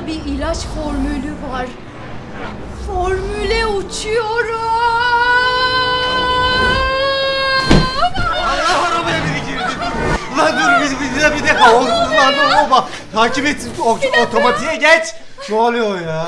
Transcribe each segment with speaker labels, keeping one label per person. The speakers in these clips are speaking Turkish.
Speaker 1: Burada bir ilaç formülü var. Formüle uçuyorum.
Speaker 2: Allah arabaya biri girdi. Ulan dur bir dakika. Ulan bak. Takip et. Otomatiğe geç. Ne oluyor ya?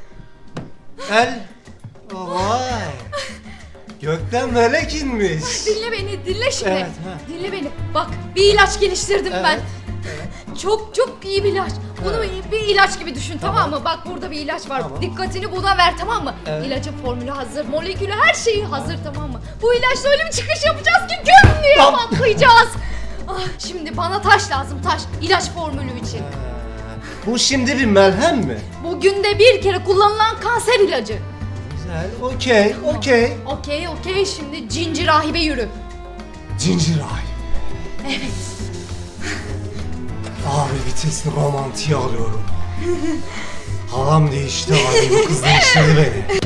Speaker 2: Vay. Gökten melek inmiş.
Speaker 1: Dinle beni, dinle şimdi.
Speaker 2: Evet, ha.
Speaker 1: Dinle beni. Bak, bir ilaç geliştirdim ben. Çok iyi bir ilaç. Bunu bir ilaç gibi düşün, tamam mı? Bak burada bir ilaç var.
Speaker 2: Tamam.
Speaker 1: Dikkatini buna ver, tamam mı?
Speaker 2: Evet.
Speaker 1: İlacın formülü hazır, molekülü her şeyi hazır, tamam mı? Bu ilaçla öyle bir çıkış yapacağız ki güm diye patlayacağız. Şimdi bana taş lazım, taş. İlaç formülü için.
Speaker 2: Bu şimdi bir melhem mi?
Speaker 1: Bu günde bir kere kullanılan kanser ilacı.
Speaker 2: Güzel. Okey.
Speaker 1: Okey. Şimdi cinci rahibe yürü.
Speaker 2: Cincir ay.
Speaker 1: Evet.
Speaker 2: Abi vitesli romantiği alıyorum. Halam değişti abi. Bu kız değiştirdi beni.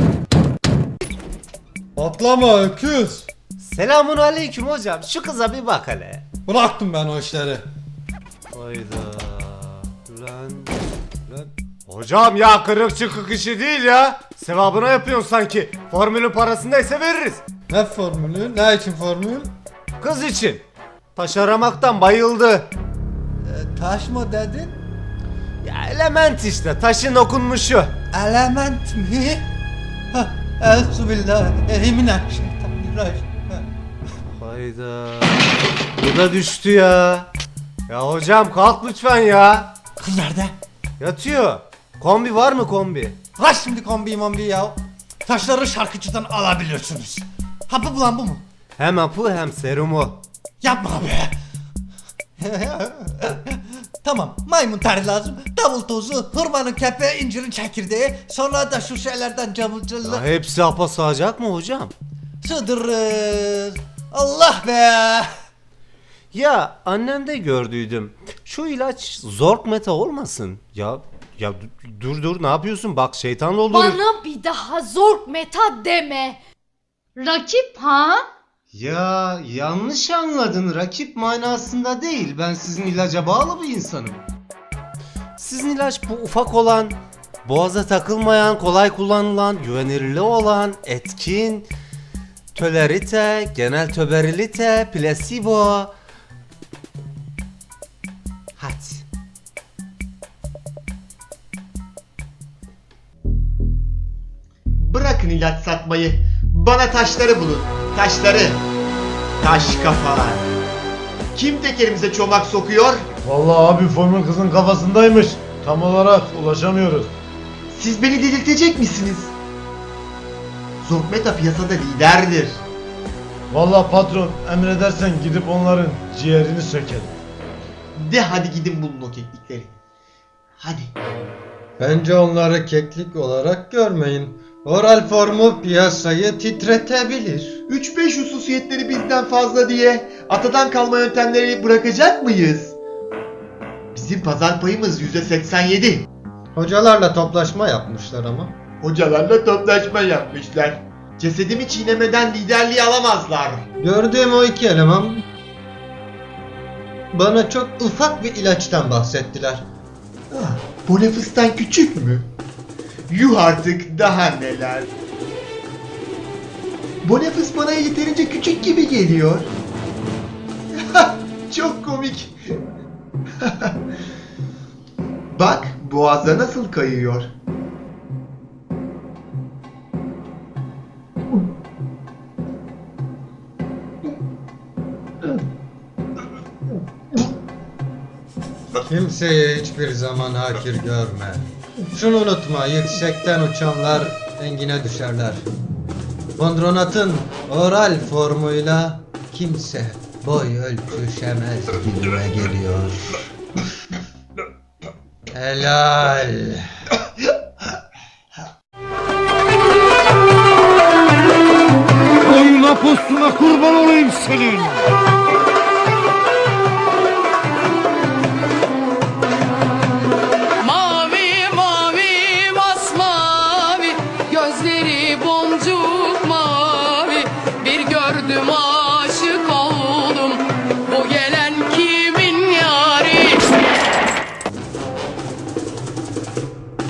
Speaker 3: Atlama öküz.
Speaker 2: Selamun aleyküm hocam. Şu kıza bir bak hele.
Speaker 3: Bıraktım ben o işleri.
Speaker 2: Hayda. Lan. Hocam ya kırık çıkık işi değil ya. Sevabına yapıyorsun sanki. Formülün parasını neyse veririz.
Speaker 3: Ne formülü? Ne için formül?
Speaker 2: Kız için. Taş aramaktan bayıldı.
Speaker 3: Taş mı dedin?
Speaker 2: Ya element işte. Taşın okunmuşu.
Speaker 3: Element mi? Euzubillahimineşşeytanirracim.
Speaker 2: Hayda. Bu da düştü ya. Ya hocam kalk lütfen ya.
Speaker 3: Kız nerede?
Speaker 2: Yatıyor. Kombi var mı kombi?
Speaker 3: Ha şimdi kombi ya. Taşları şarkıcıdan alabilirsiniz. Hapı bulan bu mu?
Speaker 2: Hem hapı hem serumu.
Speaker 3: Yapma be. Tamam, maymun teri lazım, davul tozu, hurmanın kepeği, incirin çekirdeği, sonra da şu şeylerden camcılık.
Speaker 2: Ya hepsi hapa sığacak mı hocam?
Speaker 3: Sığdırırız. Allah be.
Speaker 2: Ya annemde gördüydüm. Şu ilaç zork meta olmasın. Ya dur ne yapıyorsun? Bak şeytan doldurur.
Speaker 1: Bana bir daha zork meta deme. Rakip ha?
Speaker 2: Ya yanlış anladın. Rakip manasında değil. Ben sizin ilaca bağlı bir insanım. Sizin ilaç bu ufak olan, boğaza takılmayan, kolay kullanılan, güvenirli olan, etkin, tolerite, genel töberilite, plasebo. Hadi.
Speaker 4: Bırakın ilaç satmayı. Bana taşları bulun. Taşları. Taş kafalar. Kim tekerimize çomak sokuyor?
Speaker 5: Vallahi abi formül kızın kafasındaymış. Tam olarak ulaşamıyoruz.
Speaker 4: Siz beni delirtecek misiniz? Zorkmeta piyasada liderdir.
Speaker 5: Vallahi patron emredersen gidip onların ciğerini sökelim.
Speaker 4: De hadi gidin bulun o keklikleri. Hadi.
Speaker 6: Bence onları keklik olarak görmeyin. Oral formu piyasayı titretebilir.
Speaker 4: 3-5 hususiyetleri bizden fazla diye atadan kalma yöntemleri bırakacak mıyız? Bizim pazar payımız %87.
Speaker 6: Hocalarla toplaşma yapmışlar ama.
Speaker 4: Hocalarla toplaşma yapmışlar. Cesedimi çiğnemeden liderliği alamazlar.
Speaker 6: Gördüğüm o iki eleman bana çok ufak bir ilaçtan bahsettiler.
Speaker 4: Bonefıs'tan küçük mü? Yuh artık daha neler. Bonefıs bana yeterince küçük gibi geliyor. Çok komik. Bak boğaza nasıl kayıyor.
Speaker 6: Kimseye hiçbir zaman hakir görme. Şunu unutma, yüksekten uçanlar engine düşerler. Kondronatın oral formuyla kimse boy ölçüşemez gibime geliyor. Helal.
Speaker 5: Oyuna postuna kurban olayım senin.
Speaker 7: Mavi mavi masmavi, gözleri boncuk mavi. Bir gördüm aşık oldum, bu gelen kimin yari?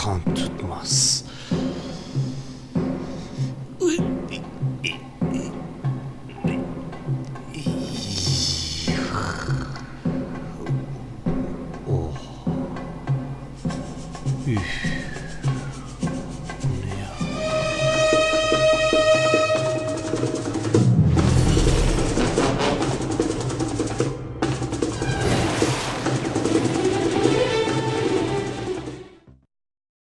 Speaker 2: kan tutmaz. Oh. Üf. Bu ne ya?